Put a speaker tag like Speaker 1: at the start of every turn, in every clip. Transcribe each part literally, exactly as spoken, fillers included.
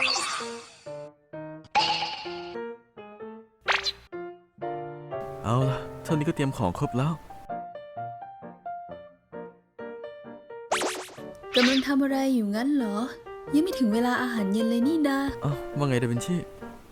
Speaker 1: เอาล่ะเท่านี้ก็เตรียมของครบแล้ว
Speaker 2: กำลังทำอะไรอยู่งั้นเหรอยังไม่ถึงเวลาอาหารเย็นเลยนี่นา
Speaker 1: อ้าวว่าไงดาวินชี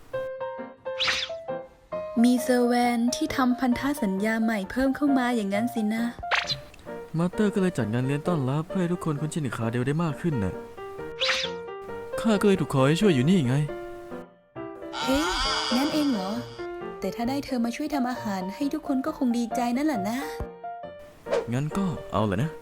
Speaker 2: มีเซอร์แวนที่ทำพันธสัญญาใหม่เพิ่มเข้ามาอย่างนั้นสินะ
Speaker 1: มาสเตอร์ก็เลยจัดงานเลี้ยงต้อนรับเพื่อให้ทุกคนคุ้นชินกับคาเดลได้มากขึ้นน่ะข้าก็เลยถูกขอให้ช่วยอยู่นี่ไง
Speaker 2: เฮ้ยนั่นเองเหรอแต่ถ้าได้เธอมาช่วยทำอาหารให้ทุกคนก็คงดีใจนั่นแหละนะ
Speaker 1: งั้นก็เอาแหละนะ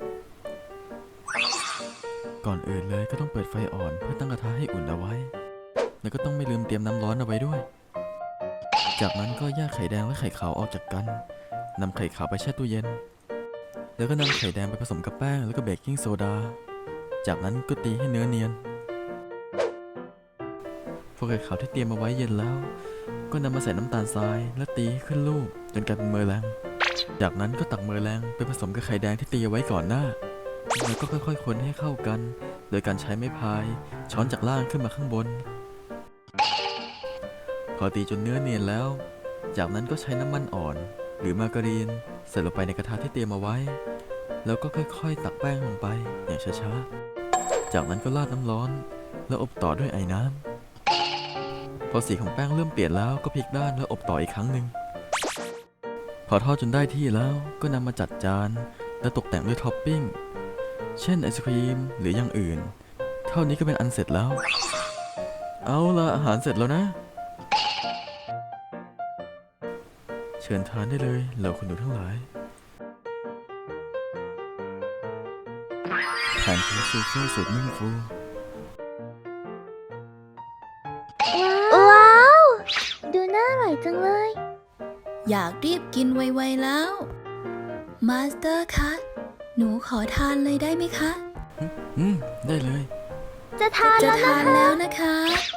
Speaker 1: ก่อนอื่นเลยก็ต้องเปิดไฟอ่อนเพื่อตั้งกระทะให้อุ่นเอาไว้แล้วก็ต้องไม่ลืมเตรียมน้ำร้อนเอาไว้ด้วยจากนั้นก็แยกไข่แดงและไข่ขาวออกจากกันนำไข่ขาวไปแช่ตู้เย็นแล้วก็นำไข่แดงไปผสมกับแป้งแล้วก็เบกกิ้งโซดาจากนั้นก็ตีให้เนื้อเนียนพอไข่ขาวที่เตรียมมาไว้เย็นแล้วก็นำมาใส่น้ำตาลทรายและตีให้ขึ้นลูกจนกลายเป็นเมอร์แรงจากนั้นก็ตักเมอร์แรงไปผสมกับไข่แดงที่ตีเอาไว้ก่อนหน้าแล้วก็ค่อยๆคนให้เข้ากันโดยการใช้ไม้พายช้อนจากล่างขึ้นมาข้างบนพอตีจนเนื้อเนียนแล้วจากนั้นก็ใช้น้ำมันอ่อนหรือมาการีนใส่ลงไปในกระทะที่เตรียมเอาไว้แล้วก็ค่อยๆตักแป้งลงไปอย่างช้าๆจากนั้นก็ราดน้ำร้อนแล้วอบต่อด้วยไอ้น้ำพอสีของแป้งเริ่มเปลี่ยนแล้วก็พลิกด้านแล้วอบต่ออีกครั้งหนึ่งพอทอดจนได้ที่แล้วก็นำมาจัดจานและตกแต่งด้วยท็อปปิ้งเช่นไอศครีมหรืออย่างอื่นเท่านี้ก็เป็นอันเสร็จแล้วเอาละอาหารเสร็จแล้วนะเชิญทานได้เลยเหล่าคุณหนูทั้งหลายแผนของซูเฟ่สุดนุ่มฟู
Speaker 3: ว้าวดูน่าอร่อยจังเลย
Speaker 2: อยากรีบกินไวๆแล้วมาสเตอร์คะหนูขอทานเลยได้ไหมคะ
Speaker 1: อืมได้เลย
Speaker 3: จะทาน
Speaker 2: จะ
Speaker 3: แล้ว
Speaker 2: ทานแล้วนะคะ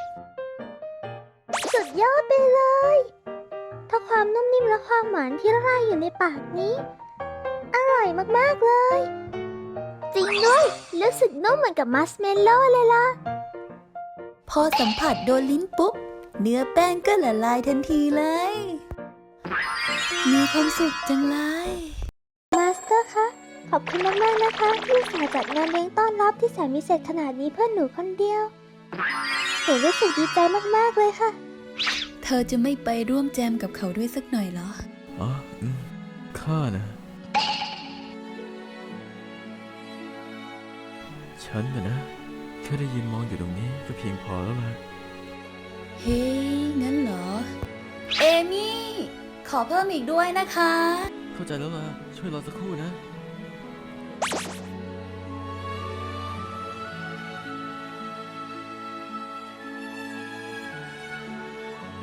Speaker 3: สุดยอดไปเลยถ้าความนุ่มนิ่มและความหวานที่ละลายอยู่ในปากนี้อร่อยมากๆเลยจริงด้วยรู้สึกนุ่มเหมือนกับมัสเมลโล่เลยล่ะ
Speaker 2: พอสัมผัสโดนลิ้นปุ๊บเนื้อแป้งก็ละลายทันทีเลยมีความสุขจังเลย
Speaker 3: มาสเตอร์คะขอบคุณมากๆนะคะที่อุตส่าห์จัดงานเลี้ยงต้อนรับที่แสนพิเศษขนาดนี้เพื่อหนูคนเดียวหนูรู้สึกดีใจมากๆเลยค่ะ
Speaker 2: เธอจะไม่ไปร่วมแจมกับเขาด้วยสักหน่อยเหรอ
Speaker 1: อ๋ออืมข้านะฉันนะนะแค่ได้ยินมองอยู่ตรงนี้ก็เพียงพอแล้วล่ะ
Speaker 2: เฮ้ยงั้นเหรอเอมี่ขอเพิ่มอีกด้วยนะคะ
Speaker 1: เข้าใจแล้วล่ะช่วยรอสักครู่นะ